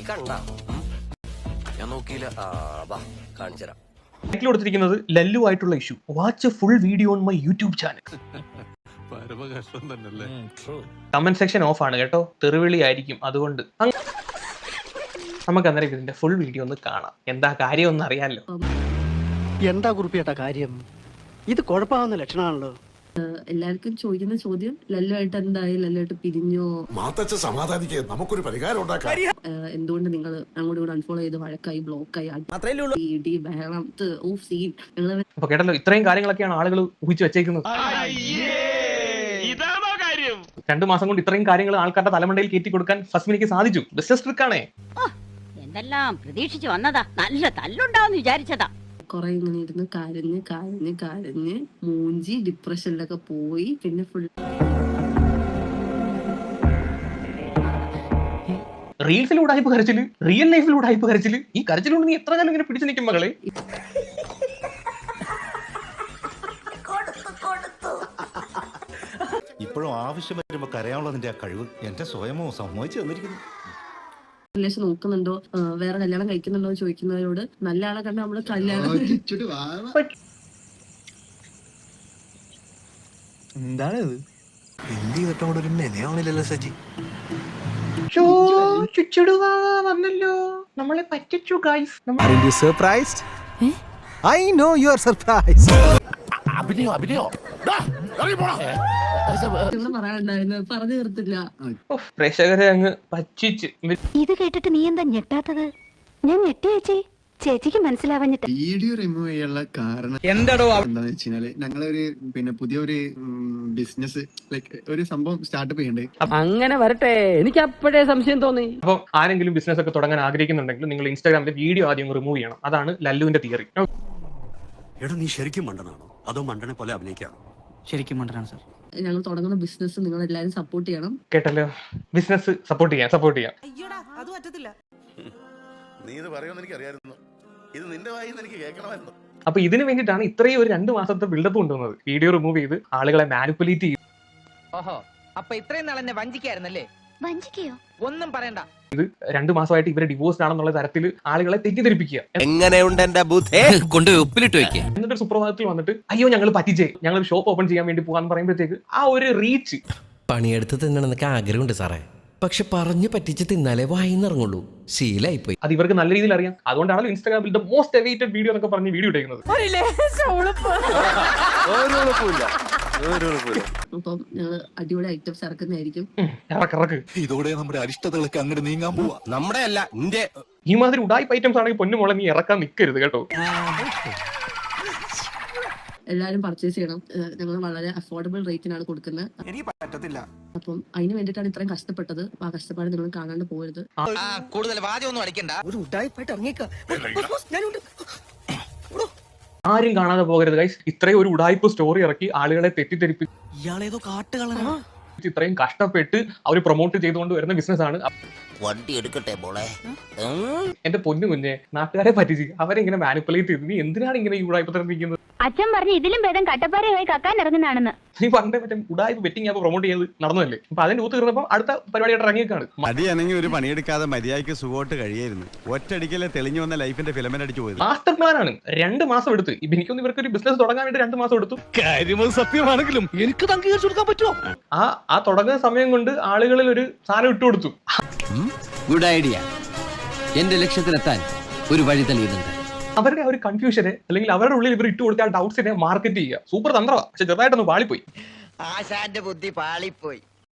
കണ്ട ഞാൻ നോക്കിയില്ല. കാണിച്ചുതരാം. ടൈറ്റിൽ കൊടുത്തിരിക്കുന്നത് ലല്ലു ആയിട്ടുള്ള issue. Watch full video on my YouTube channel. Comment section off ആണ് കേട്ടോ, തെറിവിളി ആയിരിക്കും. അതുകൊണ്ട് നമുക്ക് അന്നേരം ഇതിന്റെ ഫുൾ വീഡിയോ ഒന്ന് കാണാം. എന്താ കാര്യം ഒന്ന് അറിയാമല്ലോ. എന്താ കുറിപ്പിയേട്ടാ കാര്യം? ഇത് കുഴപ്പമാവുന്ന ലക്ഷണമാണല്ലോ. എല്ലാവർക്കും ചോദിക്കുന്ന ചോദ്യം ലല്ലുമായിട്ട് എന്തായി, ലല്ലുമായിട്ട് പിരിഞ്ഞോ, നമുക്കൊരു പരിഹാരം ഉണ്ടാക്കാം, എന്തുകൊണ്ട് നിങ്ങൾ അങ്ങോട്ടും കൂടെ അൺഫോളോ ചെയ്ത് വഴക്കായി, ബ്ലോക്കായി, ഇടി ബഹളം, സീൻ. ഞങ്ങൾ അപ്പൊ കേട്ടല്ലോ, ഇത്രയും കാര്യങ്ങളൊക്കെയാണ് ആളുകൾ ഊഹിച്ചു വെച്ചേക്കുന്നത്. 2 മാസം കൊണ്ട് ഇത്രയും കാര്യങ്ങൾ ആൾക്കാരുടെ തലമണ്ടയിൽ കയറ്റി കൊടുക്കാൻ ഫസ്മിനിക്ക് സാധിച്ചു. ബിസിനസ് ട്രിക്കാണേ. എന്തെല്ലാം പ്രതീക്ഷിച്ചു വന്നതാ, നല്ല തല്ലുണ്ടാവും വിചാരിച്ചതാ. കുറെ ഇങ്ങനെ ഇരുന്ന് കരഞ്ഞ് കരഞ്ഞ് കരഞ്ഞ് മൂഞ്ചി ഡിപ്രഷനിലൊക്കെ പോയി. പിന്നെ ഫുൾ റീൽസിലൂടെ ആയിപ്പ് കരച്ചില്, റിയൽ ലൈഫിലൂടെ ആയിപ്പ് കരച്ചില്. ഈ കരച്ചിലൂടെ നീ എത്ര കാലം ഇങ്ങനെ പിടിച്ചു നിൽക്കും മകളെ? ഇപ്പോഴും ആവശ്യം വരുമ്പോ കരയാനുള്ളതിന്റെ ആ കഴിവ് എന്റെ സ്വയമോ സമ്മതിച്ചു തന്നിരിക്കുന്നു. റിലേഷൻ നോക്കുന്നുണ്ടോ, വേറെ കല്യാണം കഴിക്കുന്നുണ്ടോ എന്ന് ചോദിക്കുന്നവരോട് നല്ല ആളെ കണ്ട നമ്മള് കല്യാണം എന്താണിത്? എന്ത് ചെയ്തിട്ടോടെ ഒരു മെനയാവണില്ലല്ലോ സജി. വന്നല്ലോ, നമ്മളെ പറ്റിച്ചു guys. Aren't you surprised? I know you are surprised. പറയാനുണ്ടായിരുന്നു, പറഞ്ഞു തീർത്തില്ല. പ്രേക്ഷകരെ അങ്ങ് പറ്റിച്ച്. ഇത് കേട്ടിട്ട് നീ എന്താ ഞെട്ടാത്തത്? ഞാൻ ഞെട്ടി ചേച്ചി, ചേച്ചിക്ക് മനസ്സിലാവാഞ്ഞിട്ട്. വീഡിയോ റിമൂവ് ചെയ്യാനുള്ള കാരണം എന്താന്ന് വെച്ചാല് ഞങ്ങളൊരു പുതിയൊരു ബിസിനസ് ലൈക്ക് ഒരു സംഭവം സ്റ്റാർട്ടപ്പ് ചെയ്യണ്ടേ. അങ്ങനെ വരട്ടെ, എനിക്ക് അപ്പോഴേ സംശയം തോന്നി. അപ്പൊ ആരെങ്കിലും ബിസിനസ് ഒക്കെ തുടങ്ങാൻ ആഗ്രഹിക്കുന്നുണ്ടെങ്കിൽ നിങ്ങൾ ഇൻസ്റ്റാഗ്രാമിലെ വീഡിയോ ആദ്യം റിമൂവ് ചെയ്യണം. അതാണ് ലല്ലുവിന്റെ തിയറി. എടാ, നീ ശരിക്കും മണ്ടനാണോ അതോ മണ്ടനെ പോലെ അഭിനയിക്കാണോ? ശരിക്കും മണ്ടനാണ് സാർ. ഞങ്ങൾ തുടങ്ങുന്ന ബിസിനസ് നിങ്ങൾ എല്ലാവരും സപ്പോർട്ട് ചെയ്യണം. കേട്ടല്ലോ, ബിസിനസ് സപ്പോർട്ട് ചെയ്യാം. നീ ഇത് പറയുമെന്ന് എനിക്ക് അറിയാമായിരുന്നു. ഇത് നിന്റെ വായിന്ന് എനിക്ക് കേൾക്കണമായിരുന്നു. അപ്പൊ ഇതിന് വേണ്ടിയിട്ടാണ് ഇത്രയും ഒരു 2 മാസത്തെ ബിൽഡപ്പ് കൊണ്ടുവന്നത്. വീഡിയോ റിമൂവ് ചെയ്ത് ആളുകളെ മാനിപ്പുലേറ്റ് ചെയ്ത്. ഓഹോ, അപ്പൊ ഇത്രയും നാൾ എന്നെ വഞ്ചിക്കായിരുന്നല്ലേ? വഞ്ചിക്കയോ? ഒന്നും പറയണ്ട. 2 മാസമായിട്ട് ഇവരെ ഡിവോഴ്സ്ഡ് ആണെന്നുള്ള തരത്തിൽ ആളുകളെ തെറ്റിദ്ധരിപ്പിക്കുക. എങ്ങനെയുണ്ട് എന്റെ ബുദ്ധി? കൊണ്ടുപോയി ഉപ്പിലിട്ട് വെക്കുക. എന്നിട്ട് സുപ്രഭാതത്തിൽ വന്നിട്ട് അയ്യോ ഞങ്ങൾ പറ്റിച്ചേ, ഞങ്ങൾ ഷോപ്പ് ഓപ്പൺ ചെയ്യാൻ വേണ്ടി പോകാന്ന് പറയുമ്പോഴത്തേക്ക് ആ ഒരു റീച്ച്. പണിയെടുത്ത് തിന്നണമെന്നൊക്കെ ആഗ്രഹമുണ്ട് സാറേ, പക്ഷെ പറഞ്ഞു പറ്റിച്ച് തിന്നാലേ വായിന്നിറങ്ങുള്ളൂ. ശീലായിപ്പോയി. അത് ഇവർക്ക് നല്ല രീതിയിൽ അറിയാം. അതുകൊണ്ടാണല്ലോ ഇൻസ്റ്റാഗ്രാമിൽ ദ മോസ്റ്റ് അവൈറ്റഡ് വീഡിയോ എന്നൊക്കെ പറഞ്ഞ് വീഡിയോ ഇട്ടേക്കുന്നത്. അപ്പം ഞങ്ങൾ അടിപൊളി ഐറ്റംസ് ഇറക്കുന്നതായിരിക്കും. ഇറക്ക്. ഇതോടെ നമ്മുടെ അരിഷ്ടതകളൊക്കെ അങ്ങോട്ട് നീങ്ങാൻ പോവാ. നമ്മുടെ അല്ല, നിന്റെ. ഈ മാതിരി ഉഡായിപ്പ് ഐറ്റംസ് ആണെങ്കിൽ പൊന്നുമോളെ നീ ഇറക്കാൻ നിൽക്കരുത് കേട്ടോ. എല്ലാവരും പർച്ചേസ് ചെയ്യണം. ഞങ്ങൾ വളരെ അഫോർഡബിൾ റേറ്റിനാണ് കൊടുക്കുന്നത്. അപ്പം അതിന് വേണ്ടിയിട്ടാണ് ഇത്രയും കഷ്ടപ്പെട്ടത്. ആ കഷ്ടപ്പാട് നിങ്ങൾ കാണാണ്ട് പോകരുത്. കൂടുതൽ വാചകമൊന്നും അടിക്കണ്ട. ഒരു ഉടായിപ്പായിട്ട് ഇറങ്ങിയേക്കാം. ആരും കാണാതെ പോകരുത് ഗൈസ്. ഇത്രയും ഒരു ഉഡായിപ്പ് സ്റ്റോറി ഇറക്കി ആളുകളെ തെറ്റിദ്ധരിപ്പിച്ച് ഇയാളേതോ കാട്ടുകളാണ്. ഇത്രയും കഷ്ടപ്പെട്ട് അവർ പ്രൊമോട്ട് ചെയ്തുകൊണ്ട് വരുന്ന ബിസിനസ് ആണ്. വണ്ടി എടുക്കട്ടെ മോളെ. എന്റെ പൊന്നു കുഞ്ഞെ, നാട്ടുകാരെ പറ്റിച്ച് അവരെ ഇങ്ങനെ മാനിപ്പുലേറ്റ് ചെയ്ത് നീ എന്തിനാണ് ഇങ്ങനെ ഈ ഉഡായിപ്പ് തരപ്പിക്കുന്നത്? അച്ഛൻ പറഞ്ഞു ഇതിലും ഭേദം കട്ടപ്പാറയായി കക്കാൻ ഇറങ്ങുന്നതാണെന്ന്. നീ പണ്ടേ മറ്റേ ഉഡായിപ്പ് ബെറ്റിംഗ് ആപ്പ് പ്രൊമോട്ട് ചെയ്ത് നടന്നതല്ലേ? അപ്പൊ അതിന്റെ ഊത്ത് തീർന്നപ്പോൾ അടുത്ത പരിപാടിയായിട്ട് ഇറങ്ങിയേക്കാണ്. മതിയാണെങ്കിൽ ഒരു പണിയെടുക്കാതെ മര്യാദയ്ക്ക് സുഖമായിട്ട് കഴിയായിരുന്നു. ഒറ്റയടിക്കല്ലേ തെളിഞ്ഞു വന്ന ലൈഫിന്റെ ഫിലമെന്റ് അടിച്ചു പോയത്. മാസ്റ്റർ പ്ലാൻ ആണ്. 2 മാസം എടുത്ത്. എനിക്കൊന്ന് ഇവർക്ക് ഒരു ബിസിനസ് തുടങ്ങാൻ വേണ്ടി 2 മാസം എടുത്തു. കാര്യം സത്യമാണെങ്കിലും എനിക്ക് അംഗീകരിച്ചു കൊടുക്കാൻ പറ്റുമോ? ആ തുടങ്ങുന്ന സമയം കൊണ്ട് ആളുകളിൽ ഒരു സാധനം ഇട്ടുകൊടുത്തു. Good idea. എന്റെ ലക്ഷ്യത്തിലെത്താൻ ഒരു വഴി തെളിയുന്നുണ്ട്. അവരുടെ ആ ഒരു കൺഫ്യൂഷനെ അല്ലെങ്കിൽ അവരുടെ ഉള്ളിൽ ഇവർ ഇട്ട് കൊടുത്ത ഡൗട്ട്സിനെ മാർക്കറ്റ് ചെയ്യുക. സൂപ്പർ തന്ത്രമാണ്. പക്ഷെ ചെറുതായിട്ടൊന്ന് പാളിപ്പോയി. ആശാന്റെ ബുദ്ധി പാളിപ്പോയി.